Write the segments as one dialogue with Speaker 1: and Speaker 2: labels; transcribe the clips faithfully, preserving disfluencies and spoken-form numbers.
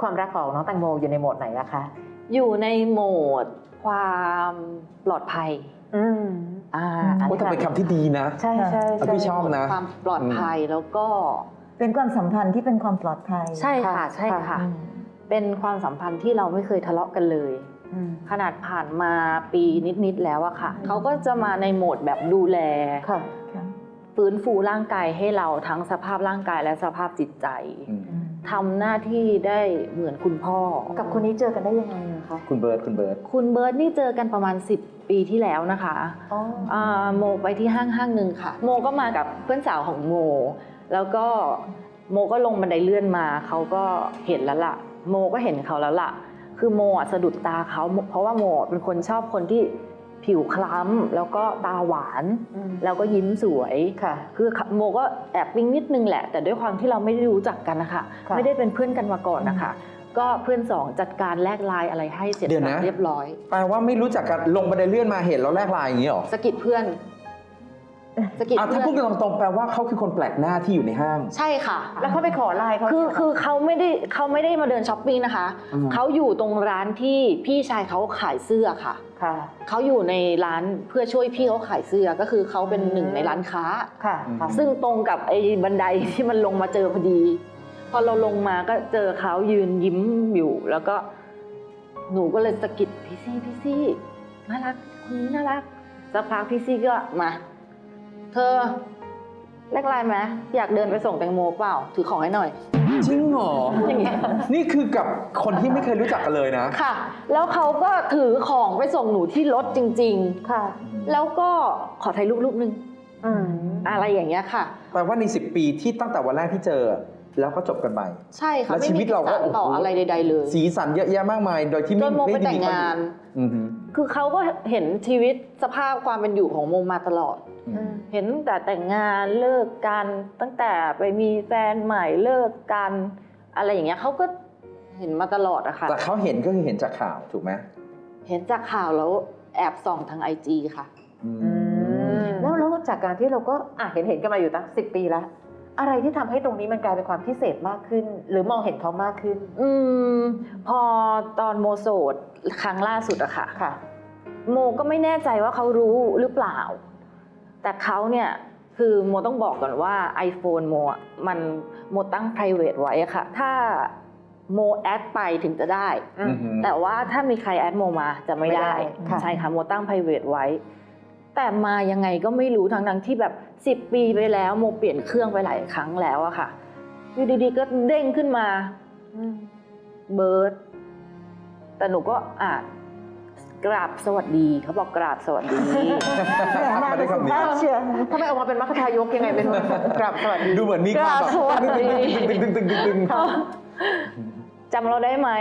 Speaker 1: ความรักของน้องแตงโมอยู่ในโหมดไหนอะคะ
Speaker 2: อยู่ในโหมดความปลอดภัย
Speaker 1: อืม
Speaker 3: อ่าโอ้แต่เป็นคำที่ดีนะ
Speaker 1: ใช่ใช่
Speaker 3: พี่ชอบนะ
Speaker 2: ความปลอดภัยแล้วก็
Speaker 4: เป็นความสัมพันธ์ที่เป็นความปลอดภัย
Speaker 2: ใช่ค่ะใช่ค่ะเป็นความสัมพันธ์ที่เราไม่เคยทะเลาะกันเลยขนาดผ่านมาปีนิดๆแล้วอะค่ะเขาก็จะมาในโหมดแบบดูแลฟื้นฟูร่างกายให้เราทั้งสภาพร่างกายและสภาพจิตใจทำหน้าที่ได้เหมือนคุณพ่อ
Speaker 1: กับคนนี้เจอกันได้ยังไงคะ
Speaker 3: คุณเบิร์ดคุณเบิร์ด
Speaker 2: คุณเบิร์ดนี่เจอกันประมาณสิบปีที่แล้วนะคะโมไปที่ห้างห้างหนึ่งค่ะโมก็มากับเพื่อนสาวของโมแล้วก็โมก็ลงบันไดเลื่อนมาเขาก็เห็นแล้วล่ะโมก็เห็นเขาแล้วล่ะคือโมอ่ะสะดุดตาเขาเพราะว่าโมเป็นคนชอบคนที่ผิวคล้ำแล้วก็ตาหวานแล้วก็ยิ้มสวยค่ะคือโมก็แอบปิ๊งนิดนึงแหละแต่ด้วยความที่เราไม่ได้รู้จักกันนะคะไม่ได้เป็นเพื่อนกันมาก่อนนะคะก็เพื่อนสองจัดการแลกไลน์อะไรให้เสร็จเรียบร้อย
Speaker 3: แปลว่าไม่รู้จักกันลงบันไดเลื่อนมาเห็นแล้วแลกไลน์อย่างนี้หรอ
Speaker 2: สะกิดเพื่อน
Speaker 3: สะกิดเพื่อนถ้าพูดกันตรงๆแปลว่าเขาคือคนแปลกหน้าที่อยู่ในห้าง
Speaker 2: ใช่ค่ะ
Speaker 1: แล้วเขาไปขอไลน์เขา
Speaker 2: คือคือเขาไม่ได้เขาไม่ได้มาเดินช้อปปิ้งนะคะเขาอยู่ตรงร้านที่พี่ชายเขาขายเสื้อค่ะเขาอยู่ในร้านเพื่อช่วยพี่เขาขายเสื้อก็คือเขาเป็นหนึ่งในร้านค้าซึ่งตรงกับไอ้บันไดที่มันลงมาเจอพอดีพอเราลงมาก็เจอเขายืนยิ้มอยู่แล้วก็หนูก็เลยสะกิดพี่ซี่พี่ซี่น่ารักคนนี้น่ารักสักพักพี่ซี่ก็มาเธอแลกไลน์ไหมอยากเดินไปส่งแตงโมเปล่าถือของให้หน่อย
Speaker 3: จริงเหรออย่างเงี้ยนี่คือกับคนที่ไม่เคยรู้จักกันเลยนะ
Speaker 2: ค่ะแล้วเขาก็ถือของไปส่งหนูที่รถจริงๆค่ะแล้วก็ขอถ่ายรูปรูปนึงอะไรอย่างเงี้ยค่ะ
Speaker 3: แปลว่าในสิบปีที่ตั้งแต่วันแรกที่เจอแล้วก็จบกันไป
Speaker 2: ใช่ค่ะ
Speaker 3: แล้วชีวิตเราก็
Speaker 2: ต่ออะไรใดๆเลย
Speaker 3: สีสันเยอะแยะมากมายโดยที่ไม่
Speaker 2: ได้แต่งงานคือเขาก็เห็นชีวิตสภาพความเป็นอยู่ของโมมาตลอดเห็นแต่แต่งงานเลิกกันตั้งแต่ไปมีแฟนใหม่เลิกกันอะไรอย่างเงี้ยเขาก็เห็นมาตลอดอะค่ะ
Speaker 3: แต่เขาเห็นก็คือเห็นจากข่าวถูกไหม
Speaker 2: เห็นจากข่าวแล้วแอบส่องทางไอจีค่ะ
Speaker 1: แล้วแล้วจากการที่เราก็อ่ะเห็นเห็นกันมาอยู่ตั้งสิบปีแล้วอะไรที่ทำให้ตรงนี้มันกลายเป็นความพิเศษมากขึ้นหรือมองเห็นเขามากขึ้น
Speaker 2: อืมพอตอนโมโสดครั้งล่าสุดอะค่ะค่ะโมก็ไม่แน่ใจว่าเขารู้หรือเปล่าแต่เขาเนี่ยคือโมต้องบอกก่อนว่า iPhone โมมันโมตั้ง private ไว้อะค่ะถ้าโมแอดไปถึงจะได้แต่ว่าถ้ามีใครแอดโมมาจะไม่ได้ใช่ค่ะโมตั้ง private ไว้แต่มายังไงก็ไม่รู้ทั้งๆที่แบบสิบปีไปแล้วโมเปลี่ยนเครื่องไปหลายครั้งแล้วอะค่ะอยู่ดีๆก็เด้งขึ้นมาเบิร์ดแต่หนูก็อ่านกราบสวัสดีเขาบอกกราบสวัสดี
Speaker 1: มาได้คำนี้ทำไมออกมาเป็นมรรคทายกยังไงเป็นกราบสวัสดี
Speaker 3: ดูเหมือนมีความแบบตึงตึงตึงตึงตึง
Speaker 2: จำเราได้ไหม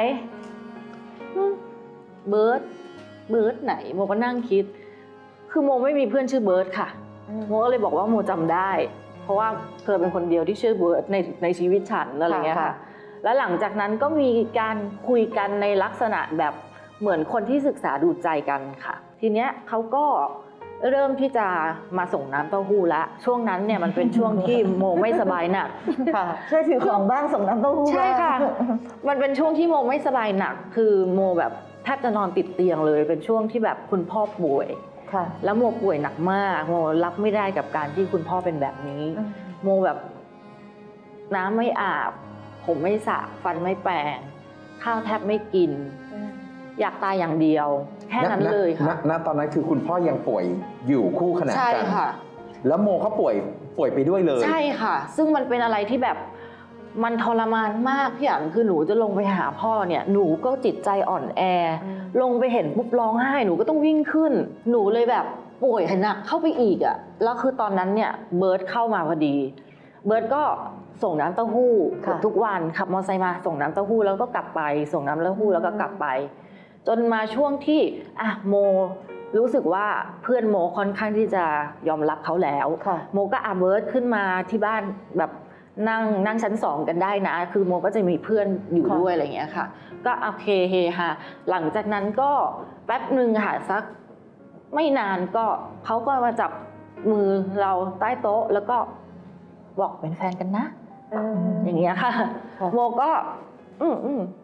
Speaker 2: เบิร์ดเบิร์ดไหนโมก็นั่งคิดคือโมไม่มีเพื่อนชื่อเบิร์ดค่ะโมก็เลยบอกว่าโมจำได้เพราะว่าเธอเป็นคนเดียวที่ชื่อเบิร์ดในในชีวิตฉันอะไรเงี้ยค่ะแล้วหลังจากนั้นก็มีการคุยกันในลักษณะแบบเหมือนคนที่ศึกษาดูใจกันค่ะทีเนี้ยเขาก็เริ่มที่จะมาส่งน้ำเต้าหู้ละช่วงนั้นเนี่ยมันเป็นช่วงที่โมไม่สบายหนัก
Speaker 4: ค่ะช่วยถือของบ้างส่งน้ำเต้าหู้
Speaker 2: ใช่ค่ะมันเป็นช่วงที่โมไม่สบายหนักคือโมแบบแทบจะนอนติดเตียงเลยเป็นช่วงที่แบบคุณพ่อป่วยแล้วโมป่วยหนักมากโมรับไม่ได้กับการที่คุณพ่อเป็นแบบนี้โมแบบน้ำไม่อาบผมไม่สระฟันไม่แปรงข้าวแทบไม่กินอยากตายอย่างเดียวแค่นั้นเลยค่ะ
Speaker 3: ณตอนนั้นคือคุณพ่อยังป่วยอยู่คู่ขนานกันใช่
Speaker 2: ค่ะ
Speaker 3: แล้วโมเขาป่วยป่วยไปด้วยเลย
Speaker 2: ใช่ค่ะซึ่งมันเป็นอะไรที่แบบมันทรมานมากพี่อั๋นคือหนูจะลงไปหาพ่อเนี่ยหนูก็จิตใจอ่อนแอลงไปเห็นปุ๊บร้องไห้หนูก็ต้องวิ่งขึ้นหนูเลยแบบป่วยหนักเข้าไปอีกอ่ะแล้วคือตอนนั้นเนี่ยเบิร์ดเข้ามาพอดีเบิร์ดก็ส่งน้ำเต้าหู้ทุกวันขับมอเตอร์ไซค์มาส่งน้ำเต้าหู้แล้วก็กลับไปส่งน้ำเต้าหู้แล้วก็กลับไปจนมาช่วงที่อ่ะโมรู้สึกว่าเพื่อนโมค่อนข้างที่จะยอมรับเขาแล้วโมก็อาเบิร์ดขึ้นมาที่บ้านแบบนั่งนั่งชั้นสองกันได้นะคือโมก็จะมีเพื่อนอยู่ด้วยอะไรอย่างเงี้ยค่ะก็โอเคเฮฮาหลังจากนั้นก็แป๊บหนึ่งค่ะสักไม่นานก็เขาก็มาจับมือเราใต้โต๊ะแล้วก็บอกเป็นแฟนกันนะอย่างเงี้ยค่ะโมก็อืมอืม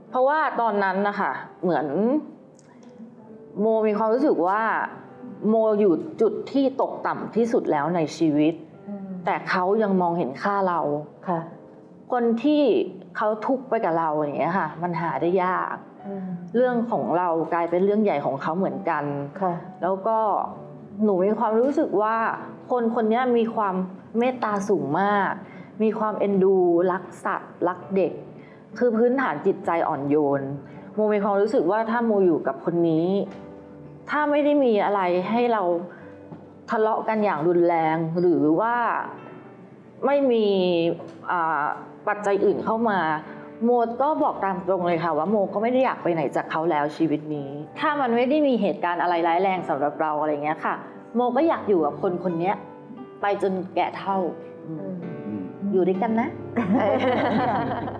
Speaker 2: เพราะว่าตอนนั้นนะคะเหมือนโมมีความรู้สึกว่าโมอยู่จุดที่ตกต่ำที่สุดแล้วในชีวิต แต่เขายังมองเห็นค่าเรา
Speaker 1: ค่ะ
Speaker 2: คนที่เขาทุกข์ไปกับเราอย่างเงี้ยค่ะมันหาได้ยาก เรื่องของเรากลายเป็นเรื่องใหญ่ของเขาเหมือนกัน
Speaker 1: ค่ะ
Speaker 2: แล้วก็หนูมีความรู้สึกว่าคนคนนี้มีความเมตตาสูงมาก มีความเอ็นดูรักสัตว์รักเด็ก คือพื้นฐานจิตใจอ่อนโยนโมมีความรู้สึกว่าถ้าโมอยู่กับคนนี้ ถ้าไม่ได้มีอะไรให้เราทะเลาะกันอย่างรุนแรง หรือว่าไม่มีปัจจัยอื่นเข้ามาโมก็บอกตามตรงเลยค่ะว่าโมก็ไม่ได้อยากไปไหนจากเขาแล้วชีวิตนี้ ถ้ามันไม่ได้มีเหตุการณ์อะไรร้ายแรงสำหรับเราอะไรเงี้ยค่ะโมก็อยากอยู่กับคนคนนี้ไปจนแก่เฒ่า อยู่ด้วยกันนะ